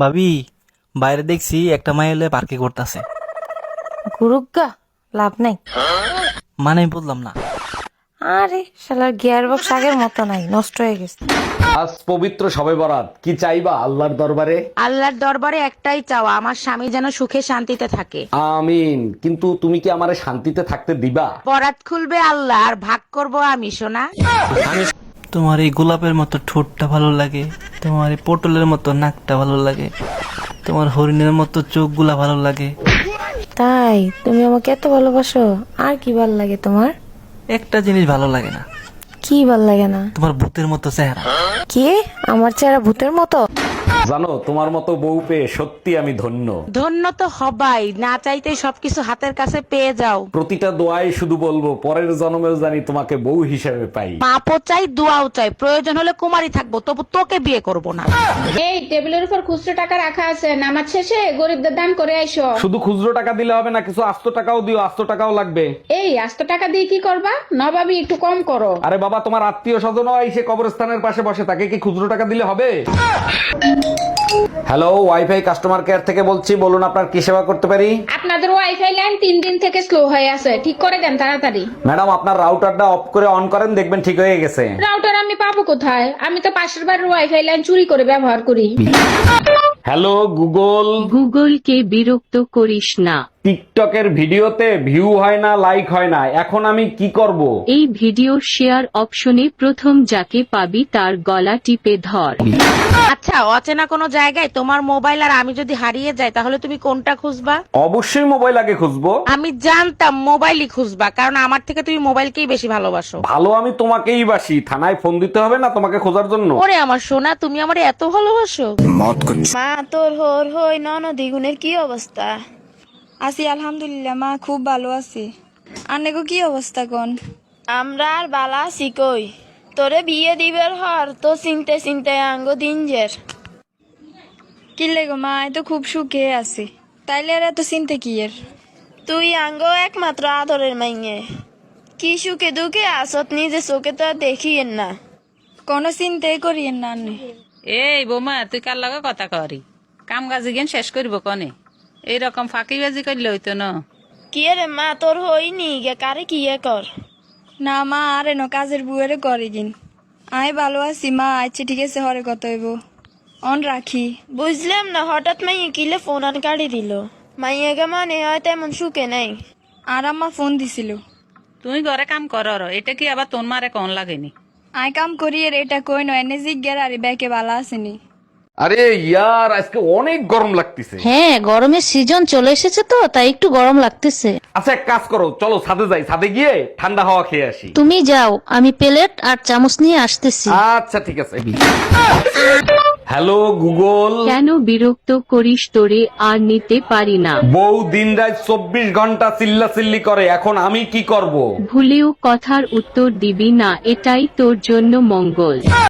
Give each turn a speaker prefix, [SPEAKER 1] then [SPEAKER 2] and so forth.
[SPEAKER 1] ভাবি, বাইরে দেখছি একটা মাই এলে পার্কে করতেছে।
[SPEAKER 2] গুরুগা লাভ নাই।
[SPEAKER 1] মানে আমি বললাম না।
[SPEAKER 2] আরে শালার গিয়ার বক্স আগের মতো নাই, নষ্ট হয়ে গেছে।
[SPEAKER 3] আজ পবিত্র শবে বরাত, কি চাইবা আল্লাহর দরবারে?
[SPEAKER 4] আল্লাহর দরবারে একটাই চাওয়া, আমার স্বামী যেন সুখে শান্তিতে থাকে।
[SPEAKER 3] আমিন। কিন্তু তুমি কি আমারে শান্তিতে থাকতে দিবা?
[SPEAKER 4] বরাত খুলবে আল্লাহ আর ভাগ করব আমি, সোনা।
[SPEAKER 1] তোমার এই গোলাপের মতো ঠোঁটটা ভালো লাগে, তোমার এই পটলের মতো নাকটা ভালো লাগে, তোমার হরিণের মতো চোখগুলা ভালো লাগে।
[SPEAKER 2] তাই তুমি আমাকে এত ভালোবাসো? আর কি ভাল লাগে তোমার?
[SPEAKER 1] একটা জিনিস ভালো লাগে না,
[SPEAKER 2] কি ভাল লাগে না?
[SPEAKER 1] তোমার ভূতের মতো চেহারা।
[SPEAKER 2] কি? আমার চেহারা ভূতের মতো?
[SPEAKER 3] জানো, তোমার মতো বউ পেয়ে সত্যি আমি ধন্য।
[SPEAKER 4] ধন্য তো হবাই, না চাইতে সবকিছু হাতের কাছে পেয়ে যাও।
[SPEAKER 3] প্রতিটা দোয়ায় শুধু বলবো, পরের জন্মেও জানি তোমাকে বউ হিসেবে পাই।
[SPEAKER 4] পাপও চাই, দোয়াও চাই, প্রয়োজন হলে কুমারী থাকবো, তবু তোকে বিয়ে করব না।
[SPEAKER 5] এই টেবিলের উপর খুচরো টাকা রাখা আছে, নামাজ শেষে গরিবদের দান করে আইসো।
[SPEAKER 3] শুধু খুচরো টাকা দিলে হবে না, কিছু আস্ত টাকাও দিও, আস্ত টাকাও লাগবে।
[SPEAKER 5] এই আস্ত টাকা দিয়ে কি করবা? নবাবী একটু কম করো।
[SPEAKER 3] আরে বাবা, তোমার আত্মীয় স্বজনও এসে কবরস্থানের পাশে বসে, তাকে কি খুচরো টাকা দিলে হবে? হ্যালো, ওয়াইফাই কাস্টমার কেয়ার থেকে বলছি, বলুন আপনার কি সেবা করতে পারি?
[SPEAKER 5] আপনাদের ওয়াইফাই লাইন 3 দিন থেকে স্লো হয়ে আছে, ঠিক করে দেন তাড়াতাড়ি।
[SPEAKER 3] ম্যাডাম, আপনার রাউটারটা অফ করে অন করেন, দেখবেন ঠিক হয়ে গেছে।
[SPEAKER 5] রাউটার আমি পাবো কোথায়? আমি তো পাশের বাড়ির ওয়াইফাই লাইন চুরি করে ব্যবহার করি।
[SPEAKER 3] Hello Google.
[SPEAKER 6] গুগলকে বিরক্ত করিস না।
[SPEAKER 3] টিকটকের ভিডিওতে ভিউ হয় না, লাইক হয় না, এখন আমি কি করব?
[SPEAKER 6] এই ভিডিও শেয়ার অপশনে প্রথম যাকে পাবি তার গলা টিপে ধর।
[SPEAKER 4] আচ্ছা, অচেনা কোনো জায়গায় তোমার মোবাইল আর আমি যদি হারিয়ে যাই, তাহলে তুমি কোনটা খুঁজবা?
[SPEAKER 3] অবশ্যই মোবাইল আগে খুঁজবো।
[SPEAKER 4] আমি জানতাম মোবাইলই খুঁজবা, কারণ আমার থেকে তুমি মোবাইলকেই বেশি ভালোবাসো।
[SPEAKER 3] ভালো, আমি তোমাকেই বাসি। থানায় ফোন দিতে হবে না তোমাকে খোঁজার জন্য।
[SPEAKER 4] ওরে আমার সোনা, তুমি আমার এত ভালোবাসো?
[SPEAKER 7] মা, তোর হোর হই ননদি গুণের কি অবস্থা? আছি আলহামদুলিল্লাহ মা, খুব ভালো আছি। আনেগো কি অবস্থা কোন? আমরা আর বালা আছি কই। তোরে বিয়ে দিবের হর তো চিনতে চিনতে আঙ্গো দিনজের। কি লেগো মা, এই তো খুব সুখে আছি। তাইলে আর এত চিনতে কি এর? তুই আঙ্গো একমাত্র আদরের মাইয়ে, কি সুখে দুঃখে আসত নিজে চোখে তো আর দেখিয়েন না। কোনো চিন্তাই করিয়েন না আন্নে।
[SPEAKER 8] এই বোমা, তুই কার লগে কথা করি? কাম কাজ জ্ঞান শেষ করবো কনে? এইরকম ফাঁকিবাজি করলে হইতো না।
[SPEAKER 7] কি রে মা, তোর হইনি গে কারে কি কর? না মা, আর এনো কাজের বুয়েরে করে গিন। আয় ভালো আছি মা, আচ্ছা ঠিক আছে, হরে কত হইব অন রাখি। বুঝলাম না, হঠাৎ মাইয়ে কিলে ফোন আন কাটি দিল। মাইয়াকে মানে হয় তেমন সুখে নাই। আর আম্মা ফোন দিছিল।
[SPEAKER 8] তুই ঘরে কাম কর, এটা কি আবার তোর মারে কন লাগেনি?
[SPEAKER 7] আয় কাম করি এর এটা কই নয়, এনে জিজ্ঞার আরে ব্যাকে বালা আসেনি।
[SPEAKER 3] আরে ইয়ার, আজকে অনেক গরম লাগতেছে।
[SPEAKER 9] হ্যাঁ, গরমের সিজন চলে এসেছে তো, তাই একটু গরম লাগতেছে।
[SPEAKER 3] আচ্ছা, এক কাজ করো, চলো ছাদে যাই, ছাদে গিয়ে ঠান্ডা হাওয়া খেয়ে আসি।
[SPEAKER 9] তুমি যাও, আমি প্লেট আর চামচ নিয়ে আসতেছি।
[SPEAKER 3] আচ্ছা ঠিক আছে। Hello Google.
[SPEAKER 6] কেন বিরক্ত করিস? তোরে আর নিতে পারি না।
[SPEAKER 3] বউ দিন রাত 24 ঘন্টা চিল্লাচিল্লি করে, এখন আমি কি করব?
[SPEAKER 6] ভুলেও কথার উত্তর দিবি না, এটাই তোর জন্য মঙ্গল।